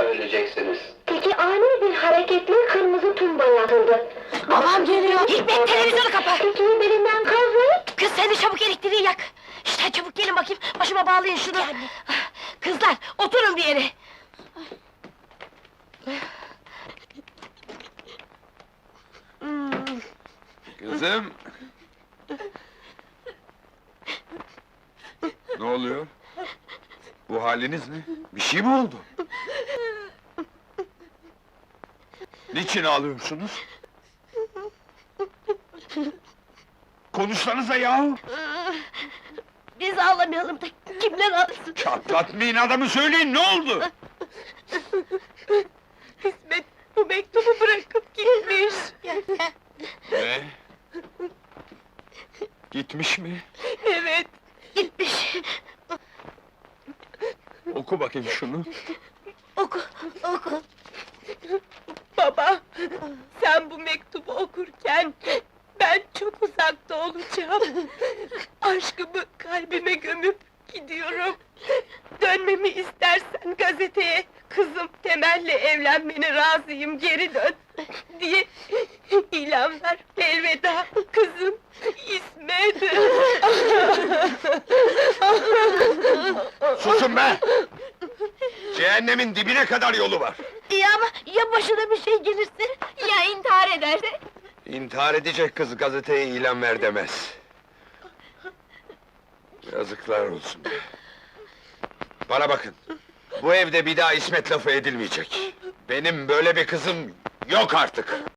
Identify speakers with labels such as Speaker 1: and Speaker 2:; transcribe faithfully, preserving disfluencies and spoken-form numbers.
Speaker 1: öleceksiniz.
Speaker 2: Peki ani bir hareketle kırmızı tumba yakıldı.
Speaker 3: Babam geliyor! Hikmet, televizyonu kapa!
Speaker 2: Peki birinden kazmayın.
Speaker 3: Kız sen de çabuk elektriği yak! İşte çabuk gelin bakayım, başıma bağlayın şunu! Kızlar, oturun bir yere!
Speaker 4: Kızım! Ne oluyor? Bu haliniz ne? Bir şey mi oldu? Niçin ağlıyorsunuz? Konuşsanıza yahu!
Speaker 3: Biz ağlamayalım da kimler ağlasın?
Speaker 4: Çatlatmayın adamı, söyleyin ne oldu?
Speaker 3: İsmet bu mektubu bırakıp gitmiş!
Speaker 4: Ne? Gitmiş mi?
Speaker 3: Evet, gitmiş!
Speaker 4: Oku bakayım şunu.
Speaker 3: Oku, oku! Baba, sen bu mektubu okurken ben çok uzakta olacağım. Aşkımı kalbime gömüp gidiyorum. Dönmemi istersen gazeteye kızım Temel'le evlenmene razıyım, geri dön diye ilan ver. Elveda kızım İsmet.
Speaker 4: Susun be! Cehennemin dibine kadar yolu var.
Speaker 3: Ya ama ya başına bir şey gelirse, ya intihar ederse?
Speaker 4: İntihar edecek kız gazeteye ilan ver demez. Yazıklar olsun. Bana bakın, bu evde bir daha İsmet lafı edilmeyecek. Benim böyle bir kızım yok artık.